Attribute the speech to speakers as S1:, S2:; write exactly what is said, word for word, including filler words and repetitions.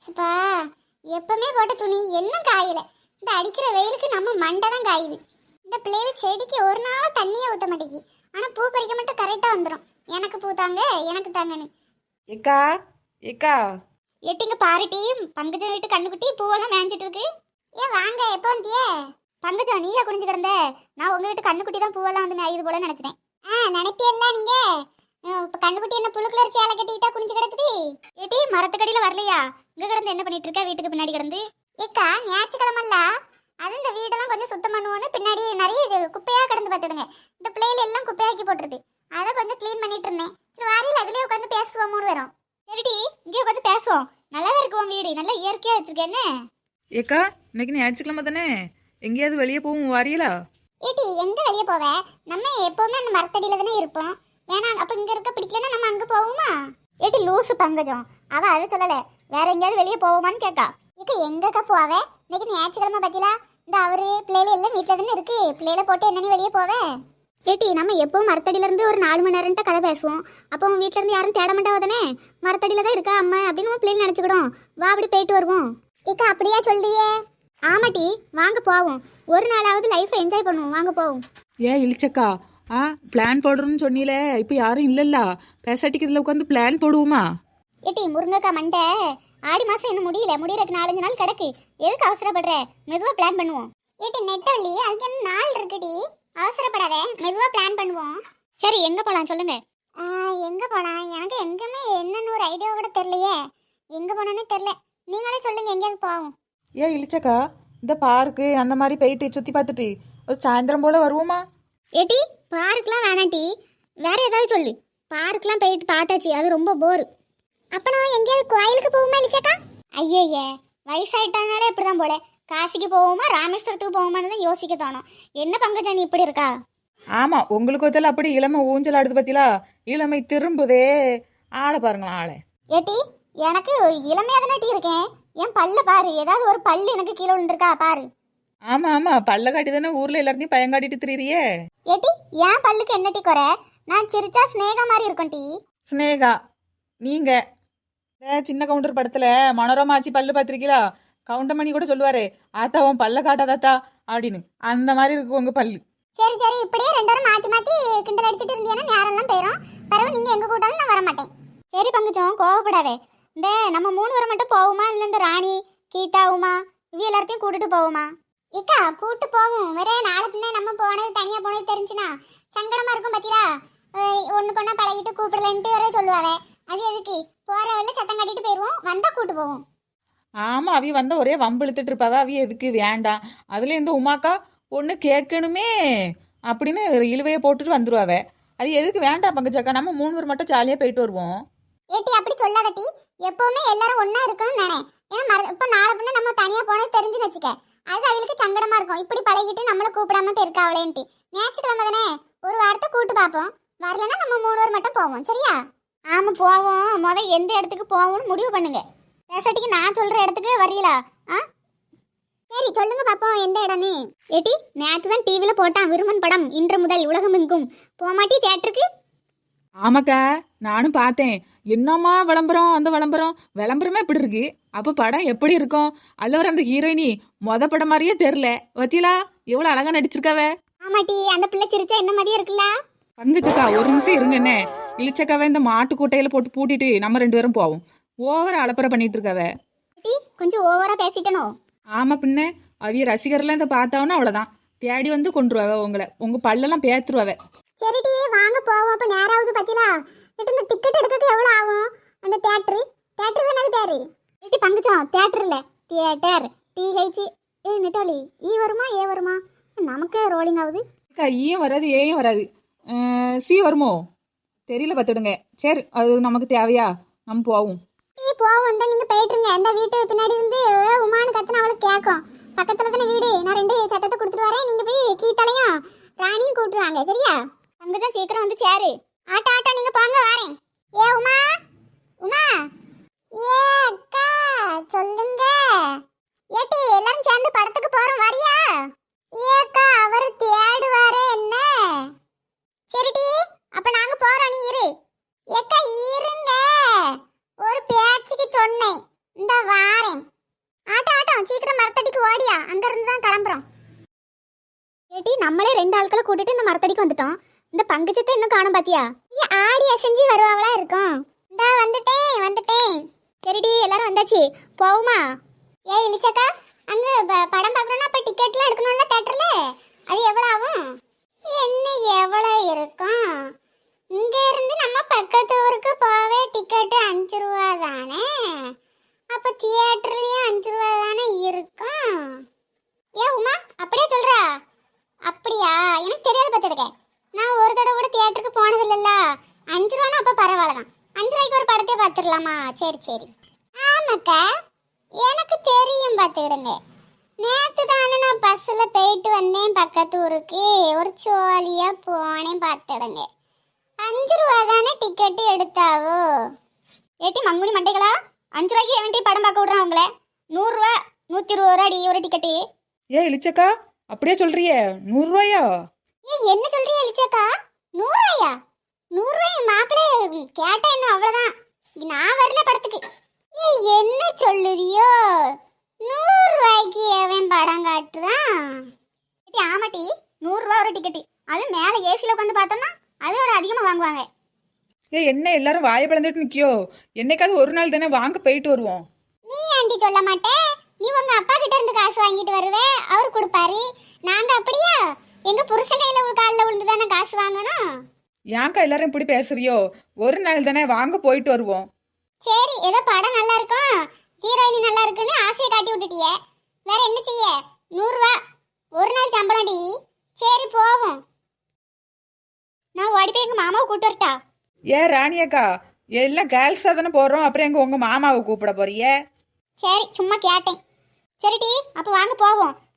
S1: சுப்பா, எப்பவுமே போட்ட துணி என்ன காயல. இந்த அடிக்கிற வெயிலுக்கு நம்ம மண்டை தான் காயுது. இந்த பிள்ளைகள் செடிக்கு ஒரு நாள் தண்ணியே ஊற்ற மாட்டேங்கி. ஆனா பூ பறிக்க மட்டும் கரெக்டா வந்துடும். எனக்கு பூ தாங்க, எனக்கு தாங்கன்னு.
S2: ஏக்கா ஏக்கா
S1: எட்டிங்க பாருட்டி, பங்கஜம் வீட்டு கண்ணுக்குட்டி பூவெல்லாம் மேய்ஞ்சிட்டு இருக்கு. ஏன் வாங்க, எப்போ வந்தியே? பங்கஜம் நீயா குனிஞ்சு கிடந்த? நான் உங்க வீட்டு கண்ணுக்குட்டி தான் பூவெல்லாம் வந்து மேயுது போல நினைச்சேன். ஆ நினைப்பியல்ல நீங்க. இப்ப கண்ணுக்குட்டி என்ன புழு கலர் சேலை கட்டிக்கிட்டா குனிஞ்சு கிடக்குது? ஏட்டி மரத்துக்கடியில வரலையா? இங்க கிடந்து என்ன பண்ணிட்டு இருக்க வீட்டுக்கு பின்னாடி கிடந்து? ஏக்கா ஞாயிற்றுக்கிழமல்ல, அது இந்த வீடெல்லாம் கொஞ்சம் சுத்தம் பண்ணுவோன்னு பின்னாடி நிறைய இது குப்பையா கிடந்து பார்த்துடுங்க. இந்த பிள்ளைகள் எல்லாம் குப்பையாக்கி போட்டுருது. அதை கொஞ்சம் க்ளீன் பண்ணிட்டு இருந்தேன். சரி வாரியில் அதுலயே உட்காந்து பேசுவோம் மூணு பேரும். சரிடி, இங்கே உட்காந்து பேசுவோம். நல்லா இருக்கும் வீடு, நல்லா இயற்கையா வச்சிருக்கேன்.
S2: ஏக்கா இன்னைக்கு ஞாயிற்றுக்கிழமை தானே, எங்கேயாவது வெளியே போவோம் வாரியலா?
S1: ஏட்டி எங்க வெளியே போவ? நம்ம எப்பவுமே அந்த மரத்தடியில தானே இருப்போம். வேணாம் அப்ப இங்க இருக்க பிடிக்கலன்னா நம்ம அங்க போவோமா? ஏட்டி லூசு பங்கஜம், அவ அதை சொல்லல. வேற எங்கேயாவது வெளியே போவோமான்னு கேட்கா. இக்க எங்கக்கா போவே? இன்னைக்கு ஞாயிற்றுக்கிழமை பத்திலா இந்த அவரு பிள்ளைல எல்லாம் வீட்டுல தானே இருக்கு. பிள்ளைல போட்டு என்ன நீ வெளியே போவே? ஏட்டி நம்ம எப்பவும் மரத்தடியில இருந்து ஒரு நாலு மணி நேரம்ட்ட கதை பேசுவோம். அப்போ உன் வீட்டுல இருந்து யாரும் தேட மாட்டாவ தானே. மரத்தடியில தான் இருக்கா அம்மா அப்படின்னு உன் பிள்ளைங்க நினைச்சுக்கிடும். வா அப்படி போயிட்டு வருவோம். இக்கா அப்படியா சொல்றியே? ஆமாட்டி, வாங்க போவோம். ஒரு நாளாவது லைஃப்பை என்ஜாய் பண்ணுவோம். வாங்க போவோம்.
S2: ஏன் இழிச்சக்கா, ஆ பிளான் போடுறோன்னு சொன்னீல, இப்போ யாரும் இல்லைல்ல, பேசாட்டிக்கு இதில் உட்காந்து பிளான் போடுவோமா?
S1: ஏட்டி முருங்கக்கா மண்டை, ஆடி மாசம் இன்னும் முடியல, முடியறதுக்கு நாலஞ்சு நாள் கிடக்கு. எதுக்கு அவசரப்படுற? மெதுவா பிளான் பண்ணுவோம். ஏட்டி நெட்டவள்ளி, அதுக்கு என்ன நாள் இருக்குடி, அவசரப்படாத, மெதுவா பிளான் பண்ணுவோம். சரி எங்க போலாம் சொல்லுங்க. எங்க போலாம்? எனக்கு எங்குமே என்னன்னு ஒரு ஐடியா கூட தெரியலையே. எங்க போனோன்னு தெரியல, நீங்களே சொல்லுங்க எங்கேயாவது போவோம்.
S2: ஏன் இழிச்சக்கா, இந்த பார்க்கு அந்த மாதிரி போயிட்டு சுற்றி பார்த்துட்டு ஒரு சாயந்தரம் போல் வருவோமா?
S1: ஏட்டி பார்க்லாம் வேணாட்டி, வேற ஏதாவது சொல்லு. பார்க்லாம் போயிட்டு பார்த்தாச்சு, அது ரொம்ப போர். அப்ப நான் எங்கேயாவது கோயிலுக்கு போவோமா இலிச்சக்கா? ஐயே வயசாயிட்டானாலே இப்படிதான் போல. காசிக்கு போவோமா ராமேஸ்வரத்துக்கு போவோமான்னு தான் யோசிக்க தோணும். என்ன பங்கஜா நீ இப்படி இருக்கா?
S2: ஆமாம், உங்களுக்கு வச்சால அப்படி இளமை ஊஞ்சல் ஆடுது பத்திலா, இளமை திரும்புதே. ஆளை பாருங்களா ஆளை.
S1: ஏட்டி எனக்கு இளமையா தானே டீ இருக்கேன். என் பல்ல பாரு, ஏதாவது ஒரு பல்லு எனக்கு கீழே விழுந்திருக்கா பாரு.
S2: ஆமாம் ஆமாம், பல்ல காட்டி தானே ஊரில் எல்லாத்தையும் பயங்காட்டிட்டு திரியிறியே.
S1: ஏட்டி என் பல்லுக்கு என்ன டீ குறை? நான் சிரிச்சா ஸ்னேகா மாதிரி இருக்கும் டீ.
S2: ஸ்னேகா நீங்க சின்ன கவுண்டர் படத்துல மனோரமா ஆச்சி பல்லு பார்த்திருக்கீங்களா? கவுண்டமணி கூட சொல்லுவாரு, ஆத்தா உன் பல்ல காட்டாதாத்தா அப்படின்னு. அந்த மாதிரி இருக்கு உங்க பல்லு.
S1: சரி சரி, இப்படியே ரெண்டு பேரும் மாத்தி மாத்தி கிண்டல் அடிச்சிட்டு இருந்தீங்கன்னா நேரெல்லாம் போயிடும். பரவாயில்ல, நீங்க எங்க கூட்டாலும் நான் வர மாட்டேன். சரி பங்குச்சோம், கோவப்படாதே. இந்த நம்ம மூணு பேரும் மட்டும் போவோமா, இல்ல இந்த ராணி கீதா உமா இவ எல்லாத்தையும் கூட்டிட்டு போவோமா? இக்கா கூட்டு போவோம். வேற நாளை பின்ன நம்ம போனது தனியா போனது தெரிஞ்சுனா சங்கடமா இருக்கும் பத்தியா. ஒண்ணு கொண்டா பழகிட்டு கூப்பிடலன்ட்டு வேற சொல்லுவாவே. அது எதுக்கு? போற வழியில சத்தம் கட்டிட்டு போயிருவோம், வந்தா கூட்டு போவோம்.
S2: ஆமா, அவிய வந்த ஒரே வம்பு இழுத்துட்டு இருப்பாவ. அவிய எதுக்கு வேண்டாம். அதுல இந்த உமாக்கா ஒண்ணு கேட்கணுமே அப்படின்னு இழுவைய போட்டுட்டு வந்துருவாவ. அது எதுக்கு வேண்டாம் பங்கஜக்கா, நம்ம மூணு பேர் மட்டும் ஜாலியா போயிட்டு வருவோம்.
S1: ஏட்டி அப்படி சொல்லாதட்டி, எப்பவுமே எல்லாரும் ஒன்னா இருக்கணும்னு நினை. ஏன்னா இப்ப நாளை பின்ன நம்ம தனியா போனது தெரிஞ்சுன்னு வச்சுக்க, அது அவளுக்கு சங்கடமா இருக்கும். இப்படி பழகிட்டு நம்மள கூப்பிடாம போயிருக்காவளேன்ட்டு. ஞாயிற்றுக்கிழமை தானே, ஒரு வாரத்தை கூட்டு பார்ப்போம். வரலன்னா நம்ம மூணு பேர் மட்டும் போவோம், சரியா? ஆமா போவோம். முத எந்த இடத்துக்கு போவோம்னு முடிவு பண்ணுங்க. பேசாட்டிக்கு நான் சொல்ற இடத்துக்கு வரீங்களா? ஆ சரி சொல்லுங்க பாப்போம், எந்த இடம்னு. ஏட்டி நேற்று தான் டிவில போட்டான் விருமன் படம், இன்று முதல் உலகம் எங்கும். போமாட்டி தியேட்டருக்கு?
S2: ஆமாக்கா நானும் பார்த்தேன். என்னம்மா விளம்பரம், அந்த விளம்பரம் விளம்பரமே இப்படி இருக்கு. அப்போ படம் எப்படி இருக்கும்? அதில் வர அந்த ஹீரோயினி மொத படம் மாதிரியே தெரில. வத்தியலா எவ்வளோ அழகா நடிச்சிருக்காவ.
S1: ஆமாட்டி, அந்த பிள்ளை சிரிச்சா என்ன மாதிரியே இருக்குல்ல.
S2: பங்கச்சக்கா ஒரு நிமிஷம் இருங்க. என்ன இழிச்சக்காவை இந்த மாட்டு கூட்டையில போட்டு பூட்டிட்டு நம்ம ரெண்டு பேரும் போவோம். ஓவர அலப்பறை பண்ணிட்டு இருக்காவ.
S1: கொஞ்சம் ஓவரா பேசிட்டனோ?
S2: ஆமா பின்ன, அவிய ரசிகர்லாம் இந்த பார்த்தாவனா அவ்வளோதான், தேடி வந்து கொண்டுருவாவ உங்களை. உங்க பல்லெல்லாம் பேத்துருவாவ.
S1: சரிடி வாங்க போவோம். அப்ப நேராவது பத்திலா இந்த டிக்கெட் எடுக்கிறதுக்கு எவ்வளவு ஆகும்? அந்த தியேட்டர் தியேட்டர் தானே பேரு? ஏட்டி பங்குச்சோம், தியேட்டர் இல்ல தியேட்டர். டிஹெச் ஏ நெட்டாலி ஈ வருமா ஏ வருமா? நமக்கு ரோலிங் ஆகுது.
S2: அக்கா ஈயும் வராது ஏயும் வராது, சி வருமோ தெரியல பார்த்துடுங்க. சரி அது நமக்கு தேவையா, நம்ம போவோம்.
S1: டீ போவோம் தான், நீங்க போயிட்டுருங்க. அந்த வீட்டு பின்னாடி இருந்து உமானு கத்துனா அவளுக்கு கேட்கும். பக்கத்துல தானே வீடு. நான் ரெண்டு சட்டத்தை கொடுத்துட்டு வரேன், நீங்க போய் கீத்தாலையும் ராணியும் கூப்பிட்டுருவாங்க, சரியா? பங்குதான் சீக்கிரம் வந்து சேரு. ஆட்டா ஆட்டா நீங்க போங்க, வரேன். ஏ உமா உமா ஏ அக்கா சொல்லுங்க. ஏட்டி எல்லாரும் சேர்ந்து படத்துக்கு போறோம், வரியா? ஏக்கா அவர் தேடுவாரே என்ன. சரிடி அப்ப நாங்க போறோம், நீ இரு. ஏக்கா இருங்க, ஒரு பேச்சுக்கு சொன்னேன். இந்த வார ஓடியா அங்க இருந்து தான் கிளம்புறோம். ஏட்டி நம்மளே ரெண்டு ஆட்களை கூட்டிட்டு இந்த மரத்தடிக்கு வந்துட்டோம். இந்த பங்குச்சத்தை இன்னும் காணும் பாத்தியா? நீ ஆடி அசைஞ்சு வருவாங்களா இருக்கும். இந்தா வந்துட்டேன் வந்துட்டேன். சரிடி எல்லாரும் வந்தாச்சு போவுமா? ஏ இளிச்சக்கா அங்க ப- படம் பார்க்கணும்னா அப்ப டிக்கெட்லாம் எடுக்கணும்ல தியேட்டர்ல, அது எவ்வளவு ஆகும்? என்ன எவ்வளவு இருக்கும்? இங்க இருந்து நம்ம பக்கத்து ஊருக்கு போவே டிக்கெட் அஞ்சு ரூபா தானே, அப்ப தியேட்டர்லயும் அஞ்சு ரூபா தானே இருக்கும். ஏ உமா அப்படியே சொல்றா? அப்படியா? எனக்கு தெரியாது பார்த்துருக்கேன். நான் ஒரு தடவை கூட தியேட்டருக்கு போனது இல்லைல்ல. அஞ்சு ரூபானா அப்போ பரவாயில்ல தான். அஞ்சு ரூபாய்க்கு ஒரு படத்தை பார்த்துடலாமா? சரி சரி. ஆமாக்கா எனக்கு தெரியும் பார்த்துக்கிடுங்க. நேற்று தானே நான் பஸ்ஸில் போயிட்டு வந்தேன் பக்கத்து ஊருக்கு, ஒரு ஜோலியாக போனேன் பார்த்துடுங்க. அஞ்சு ரூபா தானே டிக்கெட்டு எடுத்தாவோ. ஏட்டி மங்குனி மண்டைகளா, அஞ்சு ரூபாய்க்கு எவன்ட்டி படம் பார்க்க விட்றான் உங்களை? நூறுரூவா நூற்றி இருபது ரூபாடி ஒரு டிக்கெட்டு.
S2: ஏ இளிச்சக்கா அப்படியே சொல்றியே, நூறுரூவாயா?
S1: ஏ என்ன சொல்றியா இளிச்சக்கா? நூறுரூவாயா? நூறுரூவாய் மாப்பிள்ளை கேட்டா என்ன அவ்வளோதான். நான் வரல படத்துக்கு. ஏ என்ன சொல்லுதியோ? நூறுரூவாய்க்கு எவன் படம் காட்டுறான்? ஏட்டி ஆமாட்டி, நூறுரூவா ஒரு டிக்கெட்டு. அது மேலே ஏசியில் உட்காந்து பார்த்தோம்னா அதோட அதிகமாக வாங்குவாங்க.
S2: ஏ என்ன எல்லாரும் வாயை பிளந்துட்டு நிக்கியோ? என்னைக்காவது ஒரு நாள் தானே வாங்க போயிட்டு வருவோம்.
S1: நீ ஆண்டி சொல்ல மாட்டே? நீ உங்க அப்பா கிட்ட இருந்து காசு வாங்கிட்டு வருவே, அவர் கொடுப்பாரு. நாங்க அப்படியா? எங்க புருஷன் கையில ஒரு காலில் விழுந்து தானே காசு வாங்கணும்.
S2: ஏன்க்கா எல்லாரும் இப்படி பேசுறியோ? ஒரு நாள் தானே வாங்க போயிட்டு வருவோம்.
S1: சரி ஏதோ படம் நல்லா இருக்கும், ஹீரோயினி நல்லா இருக்குன்னு ஆசையை காட்டி விட்டுட்டியே, வேற என்ன செய்ய? நூறுரூவா ஒரு நாள் சம்பளம்டி. சரி போவோம். நான் ஓடி போய் எங்க மாமாவை கூட்டு வரட்டா?
S2: ஏ ராணியக்கா, எல்லாம் கேர்ள்ஸாக தானே போகிறோம், அப்புறம் எங்கள் உங்கள் மாமாவை கூப்பிட போறியே?
S1: சரி சும்மா கேட்டேன். சரிடி அப்போ வாங்க போவோம்.